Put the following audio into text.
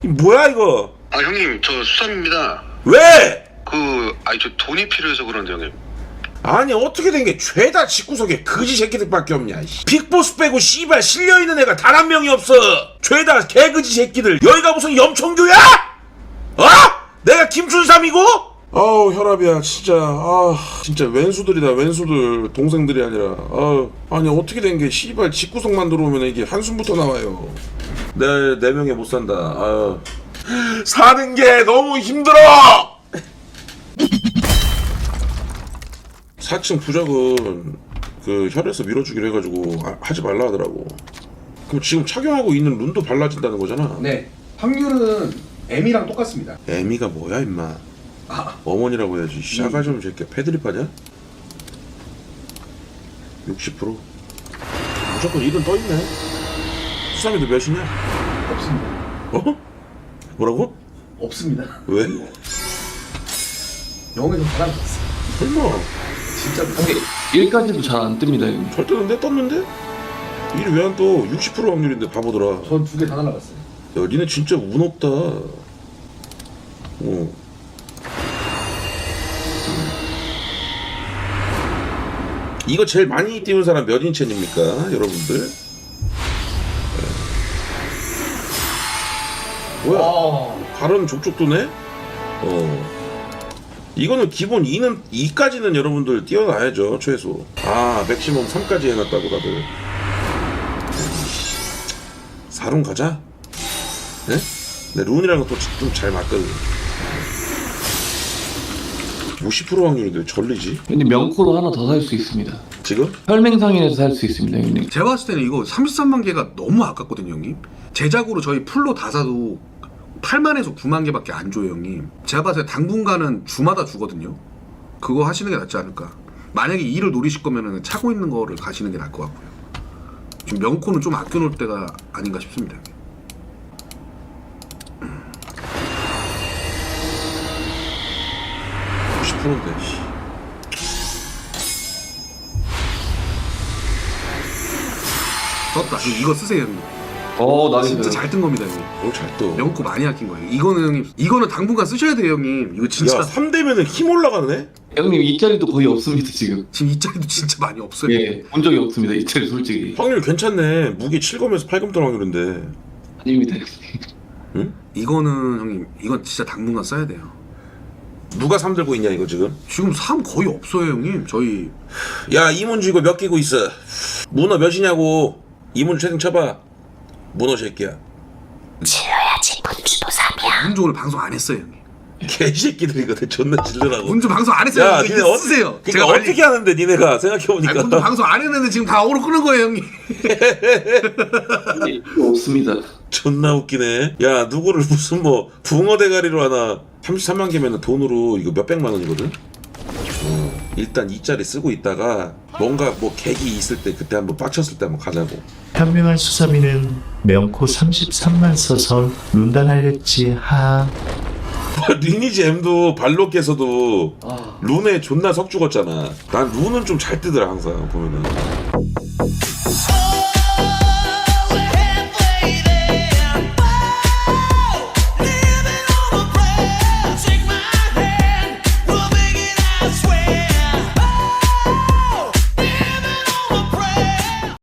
뭐야 이거? 아 형님 저 수삼입니다. 왜? 저 돈이 필요해서 그런데 형님. 아니 어떻게 된 게 죄다 집구석에 거지 새끼들밖에 없냐. 빅보스 빼고 씨발 실려있는 애가 단 한 명이 없어. 죄다 개거지 새끼들. 여기가 무슨 염청교야? 어? 내가 김춘삼이고? 아우 혈압이야 진짜. 아 진짜 왼수들이다 왼수들. 동생들이 아니라. 아니 어떻게 된 게 씨발 집구석만 들어오면 이게 한숨부터 나와요. 네 명에 못 산다. 사는 게 너무 힘들어. 4층 부적은 그 혈에서 밀어주기로 해가지고 하지 말라 하더라고. 그럼 지금 착용하고 있는 룬도 발라진다는 거잖아. 네, 확률은 M이랑 똑같습니다. 애미가 뭐야 임마. 어머니라고 해야지. 샤가 좀 새끼야. 패드립 하냐? 60%. 무조건 1은 떠있네. 수삼이도 몇이냐? 없습니다. 어? 뭐라고? 없습니다. 왜? 영에서 달아났어. 설마. 진짜 근데 1까지도 잘 안 뜹니다. 형님. 잘 뜨는데? 떴는데? 1이 왜 안 떠? 60% 확률인데 바보더라. 전 2개 다 날아갔어요. 야 니네 진짜 운 없다. 이거 제일 많이 띄운 사람 몇 인첸입니까 여러분들? 뭐야? 발은 족족 도네? 이거는 기본 2까지는 여러분들 띄워놔야죠 최소. 맥시멈 3까지 해놨다고 다들. 4룬 가자. 네? 내 룬이랑 또 좀 잘 맞거든. 50% 확률인데 전리지? 형님 명코로 하나 더 살 수 있습니다. 지금? 혈맹상인에서 살 수 있습니다, 형님. 제가 봤을 때는 이거 33만 개가 너무 아깝거든요, 형님. 제작으로 저희 풀로 다 사도 8만에서 9만 개밖에 안 줘요, 형님. 제가 봤을 때 당분간은 주마다 주거든요. 그거 하시는 게 낫지 않을까. 만약에 이를 노리실 거면은 차고 있는 거를 가시는 게 나을 것 같고요. 지금 명코는 좀 아껴놓을 때가 아닌가 싶습니다, 형님. 50%인데. 떴다. 형님, 이거 쓰세요, 형님. 나이스. 진짜 잘 뜬 겁니다, 형님. 오늘 잘 떠. 명코 많이 아낀 거예요. 이거는 형님, 이거는 당분간 쓰셔야 돼요, 형님. 이거 진짜. 야 3대면은 힘 올라가네? 형님 이 자리도 거의 없습니다 지금. 지금 이 자리도 진짜 많이 없어요. 예, 본 적이 없습니다 이 자리 솔직히. 확률 괜찮네. 무기 7검에서 8검 뜰 확률인데. 아닙니다. 응? 이거는 형님, 이건 진짜 당분간 써야 돼요. 누가 3 들고 있냐 이거 지금? 지금 3 거의 없어요, 형님. 저희 야 이문주 이거 몇 끼고 있어? 문어 몇이냐고. 이문주 채팅 쳐봐. 문어 새끼야. 지어야지 문주도 3이야. 문주 오늘 방송 안 했어요, 형님. 개새끼들이거든. 존나 질르라고. 문주 방송 안 했어요. 야 이거 니네 쓰세요. 그러니까 어떻게 하는데 니네가 생각해보니까. 문주 방송 안 했는데 지금 다 어그로 끄는 거예요, 형님. 없습니다. 존나 웃기네. 야 누구를 무슨 뭐 붕어 대가리로 하나. 33만 개면은 돈으로 이거 몇백만 원이거든. 일단 이 자리 쓰고 있다가 뭔가 뭐 계기 있을 때 그때 한번 빡쳤을 때 한번 가자고. 현명한 수사미는 명코 33만 써서 룬단하랬지 하. 리니지 M도 발로께서도 룬에 존나 석 죽었잖아. 난 룬은 좀 잘 뜨더라 항상 보면은.